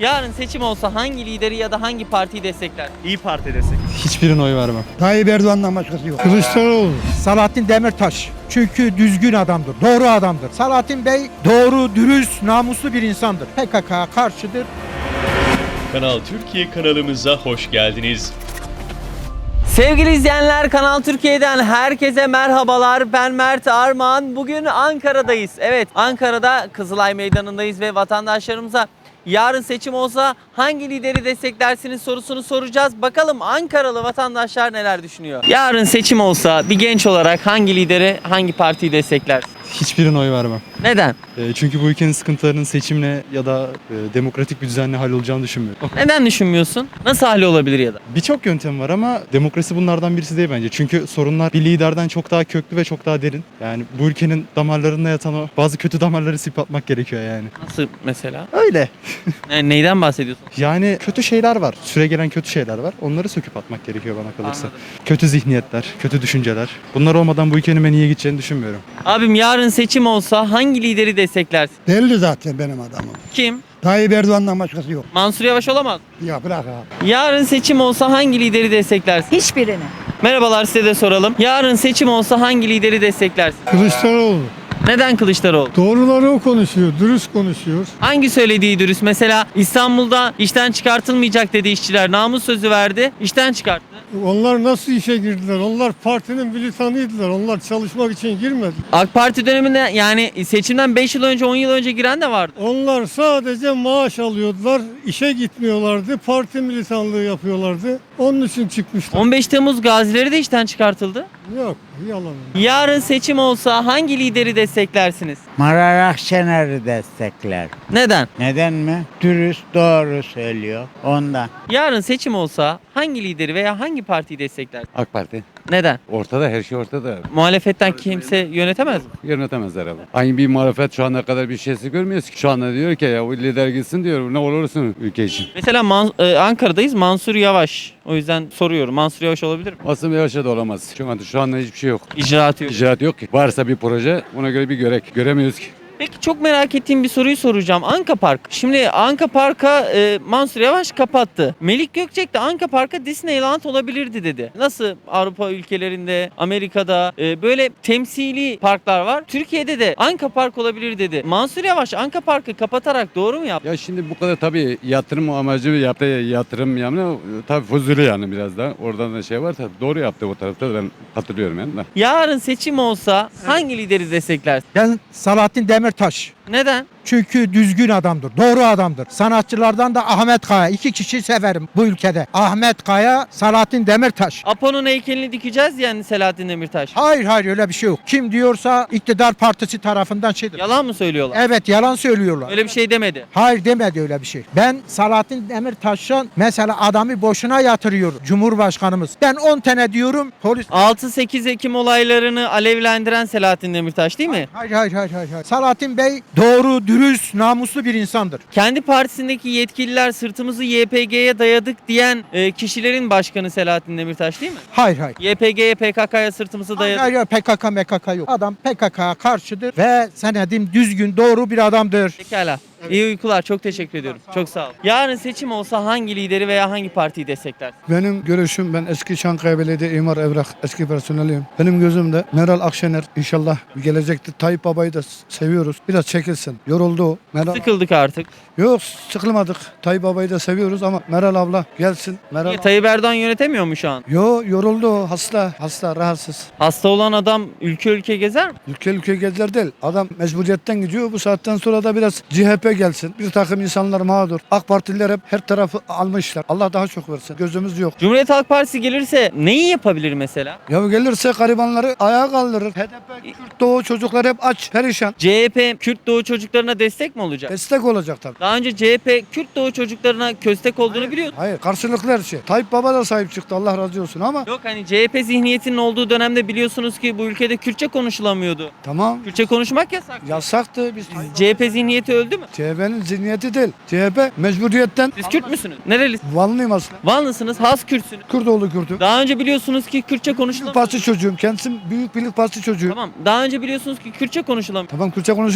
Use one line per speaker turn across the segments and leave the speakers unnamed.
Yarın seçim olsa hangi lideri ya da hangi partiyi destekler?
İyi Parti desek.
Hiçbirine oy vermem.
Tayyip Erdoğan'dan başkası yok.
Kılıçdaroğlu.
Selahattin Demirtaş. Çünkü düzgün adamdır, doğru adamdır. Selahattin Bey doğru, dürüst, namuslu bir insandır. PKK'ya karşıdır.
Kanal Türkiye kanalımıza hoş geldiniz.
Sevgili izleyenler, Kanal Türkiye'den herkese merhabalar. Ben Mert Armağan. Bugün Ankara'dayız. Evet, Ankara'da Kızılay Meydanı'ndayız ve vatandaşlarımıza yarın seçim olsa hangi lideri desteklersiniz sorusunu soracağız. Bakalım Ankaralı vatandaşlar neler düşünüyor? Yarın seçim olsa bir genç olarak hangi lideri, hangi partiyi destekler?
Hiçbirine oy vermem.
Neden?
Çünkü bu ülkenin sıkıntılarının seçimle ya da demokratik bir düzenle hallolacağını düşünmüyorum.
Neden düşünmüyorsun? Nasıl hali olabilir ya da?
Birçok yöntem var ama demokrasi bunlardan birisi değil bence. Çünkü sorunlar bir liderden çok daha köklü ve çok daha derin. Yani bu ülkenin damarlarında yatan o bazı kötü damarları silip atmak gerekiyor yani.
Nasıl mesela?
Öyle.
Neyden bahsediyorsun?
Yani kötü şeyler var. Süregelen kötü şeyler var. Onları söküp atmak gerekiyor bana kalırsa.
Anladım.
Kötü zihniyetler, kötü düşünceler. Bunlar olmadan bu ülkenin ben iyiye gideceğini düşünmüyorum.
Abim yarın seçim olsa hangi lideri desteklersin?
Belli zaten benim adamım.
Kim?
Tayyip Erdoğan'dan başkası yok.
Mansur Yavaş olamaz.
Ya bırak abi.
Yarın seçim olsa hangi lideri desteklersin?
Hiçbirini.
Merhabalar, size de soralım. Yarın seçim olsa hangi lideri desteklersin?
Kılıçdaroğlu.
Neden Kılıçdaroğlu?
Doğruları o konuşuyor, dürüst konuşuyor.
Hangi söylediği dürüst? Mesela İstanbul'da işten çıkartılmayacak dedi işçiler. Namus sözü verdi. İşten çıkarttı.
Onlar nasıl işe girdiler? Onlar partinin militanıydılar. Onlar çalışmak için girmedi.
AK Parti döneminde yani seçimden 5 yıl önce 10 yıl önce giren de vardı.
Onlar sadece maaş alıyordular, işe gitmiyorlardı, parti militanlığı yapıyorlardı. Onun için çıkmışlar.
15 Temmuz gazileri de işten çıkartıldı.
Yok, yalan.
Yarın seçim olsa hangi lideri desteklersiniz?
Meral Akşener'i destekler.
Neden?
Neden mi? Dürüst, doğru söylüyor. Ondan.
Yarın seçim olsa hangi lideri veya hangi partiyi destekler?
AK Parti.
Neden?
Ortada, her şey ortada.
Muhalefetten kimse yönetemez mi?
Yönetemez herhalde. Aynı bir muhalefet şu ana kadar bir şeysi görmüyoruz ki. Şu anda diyor ki ya bu lider gitsin diyor. Ne olursun ülke için.
Mesela Ankara'dayız, Mansur Yavaş. O yüzden soruyorum. Mansur Yavaş olabilir mi?
Aslında Yavaş'a da olamaz. Şu anda hiçbir şey yok.
İcraatı yok.
İcraat yok ki. Varsa bir proje ona göre bir görek. Göremiyoruz ki.
Peki çok merak ettiğim bir soruyu soracağım. Anka Park. Şimdi Anka Park'a Mansur Yavaş kapattı. Melik Gökçek de Anka Park'a Disneyland olabilirdi dedi. Nasıl Avrupa ülkelerinde, Amerika'da böyle temsili parklar var. Türkiye'de de Anka Park olabilir dedi. Mansur Yavaş Anka Park'ı kapatarak doğru mu yaptı?
Ya şimdi bu kadar tabii yatırım amacı yaptığı yatırım yani tabii fuzuli yani biraz da. Oradan da şey var tabii. Doğru yaptı o tarafta da ben hatırlıyorum yani.
Yarın seçim olsa hangi lideri desteklersin?
Ben Selahattin Demirtaş.
Neden?
Çünkü düzgün adamdır, doğru adamdır. Sanatçılardan da Ahmet Kaya. 2 kişi severim bu ülkede. Ahmet Kaya, Selahattin Demirtaş.
Apo'nun heykelini dikeceğiz yani Selahattin Demirtaş.
Hayır öyle bir şey yok. Kim diyorsa iktidar partisi tarafından şeydir.
Yalan mı söylüyorlar?
Evet yalan söylüyorlar.
Öyle bir şey demedi.
Hayır demedi öyle bir şey. Ben Selahattin Demirtaş'ın mesela adamı boşuna yatırıyor Cumhurbaşkanımız. Ben 10 tane diyorum polis...
6-8 Ekim olaylarını alevlendiren Selahattin Demirtaş değil mi?
Hayır. Selahattin Bey doğru, dürüst, namuslu bir insandır.
Kendi partisindeki yetkililer sırtımızı YPG'ye dayadık diyen kişilerin başkanı Selahattin Demirtaş değil mi?
Hayır.
YPG'ye PKK'ya sırtımızı dayadık.
Hayır PKK yok. Adam PKK'ya karşıdır ve senedim düzgün, doğru bir adamdır.
Pekala. İyi uykular. Çok teşekkür ediyorum. Çok sağ ol. Yarın seçim olsa hangi lideri veya hangi partiyi destekler?
Benim görüşüm, ben eski Çankaya Belediye İmar Evrak eski personeliyim. Benim gözümde Meral Akşener inşallah gelecekte Tayyip Baba'yı da seviyoruz. Biraz çekilsin. Yoruldu o.
Sıkıldık artık.
Yok sıkılmadık. Tayyip Baba'yı da seviyoruz ama Meral abla gelsin.
Niye, Tayyip Erdoğan yönetemiyor mu şu an?
Yoruldu o. Hasta, rahatsız.
Hasta olan adam ülke gezer mi?
Ülke gezer değil. Adam mecburiyetten gidiyor. Bu saatten sonra da biraz CHP gelsin. Bir takım insanlar mağdur. AK Partililer hep her tarafı almışlar. Allah daha çok versin. Gözümüz yok.
Cumhuriyet Halk Partisi gelirse neyi yapabilir mesela?
Ya gelirse garibanları ayağa kaldırır. HDP, Kürt, Doğu çocuklar hep aç, perişan.
CHP Kürt Doğu çocuklarına destek mi olacak?
Destek olacak tabii.
Daha önce CHP Kürt Doğu çocuklarına köstek olduğunu biliyorduk.
Hayır karşılıklı her şey. Tayyip Baba da sahip çıktı Allah razı olsun ama
Yok hani CHP zihniyetinin olduğu dönemde biliyorsunuz ki bu ülkede Kürtçe konuşulamıyordu.
tamam
Kürtçe konuşmak yasak.
yasaktı. Biz
CHP zihniyeti öldü mü?
CHP'nin zihniyeti değil. CHP mecburiyetten
Siz Kürt müsünüz? Nerelisiniz?
Vanlıyım aslında.
Vanlısınız, has Kürtsünüz.
Kürdoğlu Kürt'üm.
Daha önce biliyorsunuz ki Kürtçe
Birlik
konuşulamıyor.
Partisi çocuğum. Kendisi Büyük Birlik Partisi çocuğu.
Tamam. Daha önce biliyorsunuz ki Kürtçe konuşulamıyor.
Tamam Kürtçe konuşuyorum. Biz Tayyip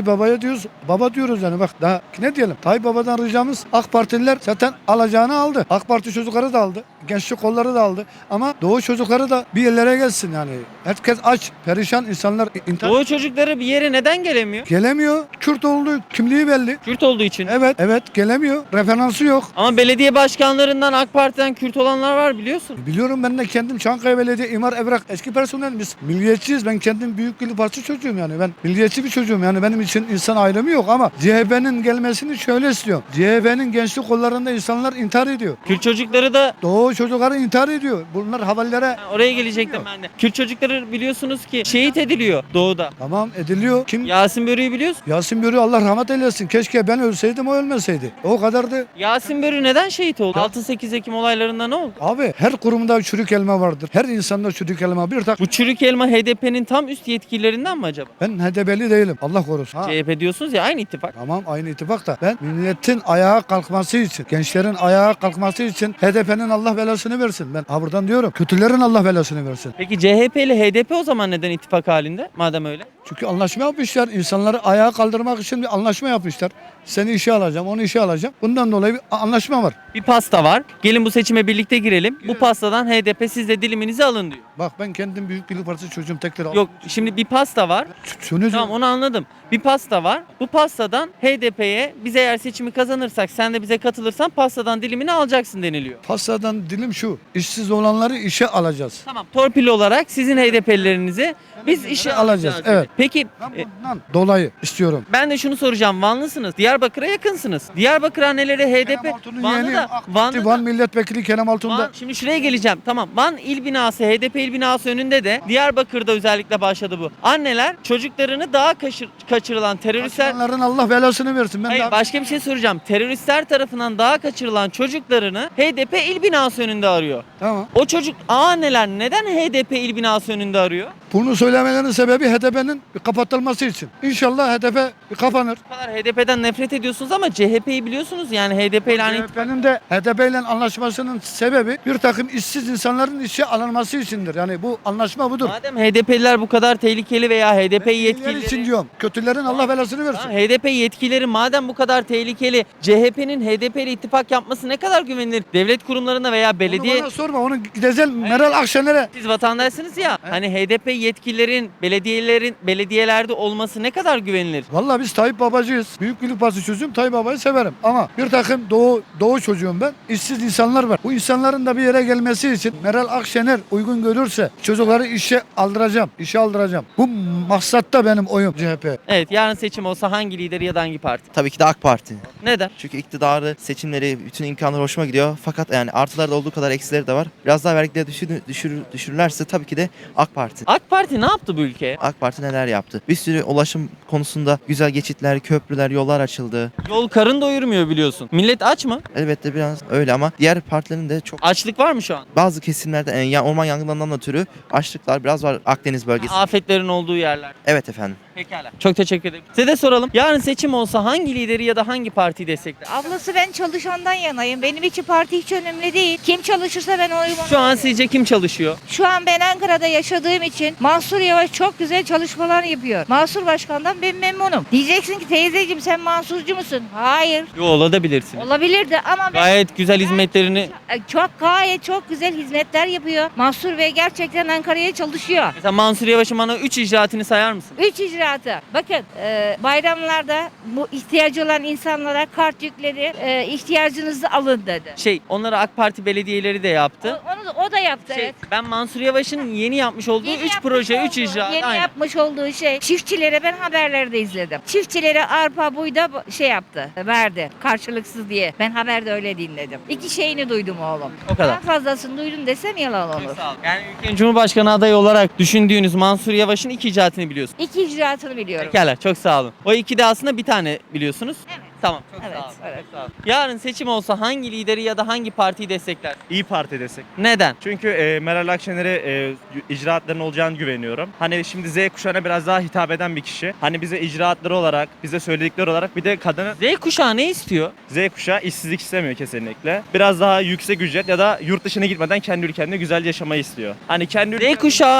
Tayyip Baba'ya diyoruz, baba diyoruz yani bak daha ne diyelim. Tayyip Baba'dan ricamız AK Partililer zaten alacağını aldı. AK Parti çocukları da aldı. Gençlik kolları da aldı. Ama Doğu çocukları da bir yerlere gelsin yani. Herkes aç, perişan insanlar intihar
Doğu çocukları bir yere neden gelemiyor?
gelemiyor. Kürt olduğu kimliği belli.
Kürt olduğu için.
Evet gelemiyor. Referansı yok.
Ama belediye başkanlarından AK Parti'den Kürt olanlar var biliyorsun.
Biliyorum ben de kendim Çankaya Belediye İmar Evrak eski personel biz milliyetçiyiz. Ben kendim Büyük Birlik Partisi çocuğum yani. Ben milliyetçi bir çocuğum yani benim için insan ayrımı yok ama CHP'nin gelmesini şöyle istiyorum. CHP'nin gençlik kollarında insanlar intihar ediyor.
Kürt çocukları da
Doğu çocukları intihar ediyor. Bunlar havallere
oraya gelecektim ben de. Kürt çocukları biliyorsunuz ki şehit ediliyor doğuda.
tamam ediliyor. Kim?
Yasin Börü'yü biliyorsun.
Yasin Börü Allah rahmet eylesin. Keşke ben ölseydim o ölmeseydi. O kadardı.
Yasin Börü neden şehit oldu? 6-8 Ekim olaylarında ne oldu?
Abi her kurumda çürük elma vardır. Her insanda çürük elma. Bir tak
Bu çürük elma HDP'nin tam üst yetkililerinden mi acaba?
ben HDP'li değilim. Allah korusun. Ha.
CHP diyorsunuz ya aynı ittifak.
Tamam aynı ittifak da ben milletin ayağa kalkması için, gençlerin ayağa kalkması için HDP'nin Allah belasını versin. Ben ha buradan diyorum. Kötülerin Allah belasını versin.
Peki CHP ile HDP o zaman neden ittifak halinde? Madem öyle.
Çünkü anlaşma yapmışlar. İnsanları ayağa kaldırmak için bir anlaşma yapmışlar. Seni işe alacağım, onu işe alacağım. Bundan dolayı bir anlaşma var.
Bir pasta var. Gelin bu seçime birlikte girelim. Bu pastadan HDP siz de diliminizi alın diyor.
Bak ben kendim Büyük Birlik Partisi çocuğum tekrar.
Yok şimdi bir pasta var.
Şunu
Tamam onu anladım. Bir pasta var. Bu pastadan HDP'ye biz eğer seçimi kazanırsak sen de bize katılırsan pastadan dilimini alacaksın deniliyor.
pastadan dilim şu. İşsiz olanları işe alacağız.
Tamam. Torpil olarak sizin HDP'lilerinizi biz işe
alacağız,
alacağız.
evet.
Peki
Ben bundan dolayı istiyorum.
ben de şunu soracağım. Vanlısınız. Diyarbakır'a yakınsınız. Diyarbakır anneleri HDP.
Kerem Altun'un
Van'da
yeğeniyim.
da
AK Parti
Van'da
Van
da
Milletvekili Kerem Altun'da.
Van, şimdi şuraya geleceğim. Tamam. Van il binası, HDP il binası önünde de Diyarbakır'da özellikle başladı bu. Anneler çocuklarını daha kaçırılan teröristler...
Onların Allah belasını versin. Ben
Hayır
daha...
başka bir şey soracağım. Teröristler tarafından daha kaçırılan çocuklarını HDP il binası önünde arıyor.
Tamam.
O çocuk anneler neden HDP il binası önünde arıyor?
Bunu söylemelerinin sebebi HDP'nin kapatılması için. İnşallah HDP kapanır.
Bu kadar HDP'den nefret ediyorsunuz ama CHP'yi biliyorsunuz yani HDP ile hani...
HDP'nin de HDP ile anlaşmasının sebebi bir takım işsiz insanların işe alınması içindir. Yani bu anlaşma budur.
Madem HDP'liler bu kadar tehlikeli veya HDP
İyiler
yetkilileri...
için diyorum. Kötülerin Allah belasını versin.
HDP yetkilileri madem bu kadar tehlikeli, CHP'nin HDP ile ittifak yapması ne kadar güvenilir? Devlet kurumlarına veya belediye...
Onu bana sorma. Onu gideceğim Meral Akşener'e.
Siz vatandaşsınız ya, hani HDP yetkililerin, belediyelerde olması ne kadar güvenilir?
Vallahi biz Tayyip Babacıyız. Büyük Birlik Partisi çocuğum. Tayyip Baba'yı severim. Ama bir takım doğu çocuğum ben. İşsiz insanlar var. Bu insanların da bir yere gelmesi için Meral Akşener uygun görürse çocukları işe aldıracağım. İşe aldıracağım. Bu maksatta benim oyum CHP.
Evet, yarın seçim olsa hangi lideri ya da hangi parti?
Tabii ki de AK Parti.
Neden?
Çünkü iktidarı, seçimleri, bütün imkanları hoşuma gidiyor. Fakat yani artıları da olduğu kadar eksileri de var. Biraz daha vergileri düşürürlerse tabii ki de AK Parti.
AK Parti ne yaptı bu ülkeye?
AK Parti neler yaptı? Bir sürü ulaşım konusunda güzel geçitler, köprüler, yollar açıldı.
Yol karın doyurmuyor biliyorsun. Millet aç mı?
Elbette biraz öyle ama diğer partilerin de çok
Açlık var mı şu an?
bazı kesimlerde orman yangınlarından ötürü açlıklar biraz var Akdeniz bölgesi.
Afetlerin olduğu yerler.
Evet efendim.
Pekala. Çok teşekkür ederim. Size de soralım. Yarın seçim olsa hangi lideri ya da hangi partiyi destekler?
Ablası ben çalışandan yanayım. Benim için parti hiç önemli değil. Kim çalışırsa ben oyumu
Şu an
veririm.
sizce kim çalışıyor?
Şu an ben Ankara'da yaşadığım için Mansur Yavaş çok güzel çalışmalar yapıyor. Mansur Başkan'dan ben memnunum. Diyeceksin ki teyzeciğim sen Mansurcu musun? Hayır.
Yo olabilirsin.
Olabilirdi ama ben
Gayet güzel hizmetlerini...
gayet çok güzel hizmetler yapıyor. Mansur Bey gerçekten Ankara'ya çalışıyor.
Mesela Mansur Yavaş'ın bana 3 icraatını sayar mısın?
3 icraatı. Bakın bayramlarda bu ihtiyacı olan insanlara kart yükleri ihtiyacınızı alın dedi.
Onları AK Parti belediyeleri de yaptı.
O da yaptı evet.
Ben Mansur Yavaş'ın yeni yapmış olduğu 3
yapmış
proje, 3
olduğu-
icraat.
Yeni
Aynen.
yapmış olduğu şey çiftçilere ben haberlerde izledim. Çiftçilere arpa buyda yaptı. Verdi karşılıksız diye. Ben haberde öyle dinledim. 2 şeyini duydum oğlum.
O kadar.
Daha fazlasını duydum desem yalan olur.
Çok sağ olun. Yani ülkenin Cumhurbaşkanı adayı olarak düşündüğünüz Mansur Yavaş'ın 2 icraatını biliyorsunuz.
2 icraatını biliyorum.
Pekala çok sağ olun. O 2 de aslında bir tane biliyorsunuz.
Evet.
Tamam. Çok
Evet,
sağ olun.
evet.
Çok sağ olun. Yarın seçim olsa hangi lideri ya da hangi partiyi destekler?
İyi Parti desek.
Neden?
Çünkü Meral Akşener'e icraatların olacağını güveniyorum. Hani şimdi Z kuşağına biraz daha hitap eden bir kişi. Hani bize icraatları olarak, bize söyledikleri olarak bir de kadını
Z kuşağı ne istiyor?
Z kuşağı işsizlik istemiyor kesinlikle. Biraz daha yüksek ücret ya da yurt dışına gitmeden kendi ülkende güzel yaşamayı istiyor. Hani kendi
Z kuşağı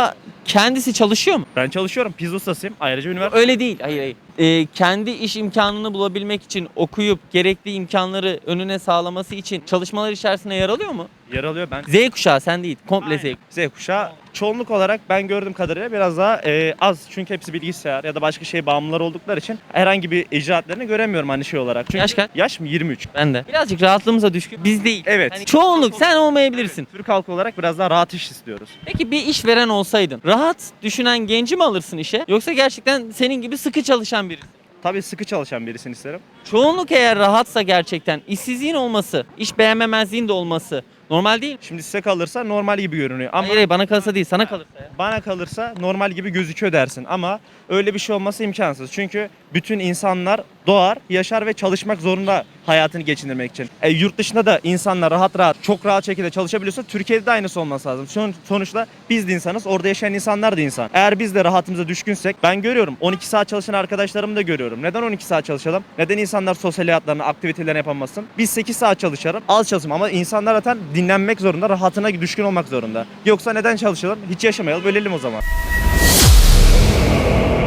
kendisi çalışıyor mu?
Ben çalışıyorum. Pizza ustasıyım. Ayrıca üniversite.
Öyle değil. Hayır. Kendi iş imkanını bulabilmek için okuyup gerekli imkanları önüne sağlaması için çalışmalar içerisinde yer alıyor mu?
Yer alıyor ben.
Z kuşağı sen değil. Komple Z kuşağı.
Z kuşağı çoğunluk olarak ben gördüğüm kadarıyla biraz daha az. Çünkü hepsi bilgisayar ya da başka şey bağımlılar oldukları için herhangi bir icraatlarını göremiyorum hani şey olarak. Çünkü
Yaş kaç?
Yaş mı? 23.
Ben de. Birazcık rahatlığımıza düşkün. Biz değil.
Evet.
Hani çoğunluk sen olmayabilirsin.
Türk halkı olarak biraz daha rahat iş istiyoruz.
Peki bir işveren olsaydın rahat düşünen genci mi alırsın işe yoksa gerçekten senin gibi sıkı çalışan birisi?
Tabii sıkı çalışan birisini isterim.
Çoğunluk eğer rahatsa gerçekten işsizliğin olması, iş beğenmemezliğin de olması normal değil mi?
Şimdi size kalırsa normal gibi görünüyor ama
Hayır bana kalırsa değil sana kalırsa ya.
bana kalırsa normal gibi gözüküyor dersin ama öyle bir şey olması imkansız. Çünkü bütün insanlar doğar, yaşar ve çalışmak zorunda hayatını geçindirmek için. Yurt dışında da insanlar çok rahat şekilde çalışabiliyorsa Türkiye'de de aynısı olması lazım. Sonuçta biz de insanız, orada yaşayan insanlar da insan. Eğer biz de rahatımıza düşkünsek ben görüyorum 12 saat çalışan arkadaşlarımı da görüyorum. Neden 12 saat çalışalım? Neden insanlar sosyal hayatlarını, aktivitelerini yapamasın? Biz 8 saat çalışalım, az çalışalım ama insanlar zaten dinlenmek zorunda, rahatına düşkün olmak zorunda. Yoksa neden çalışalım? Hiç yaşamayalım, ölelim o zaman.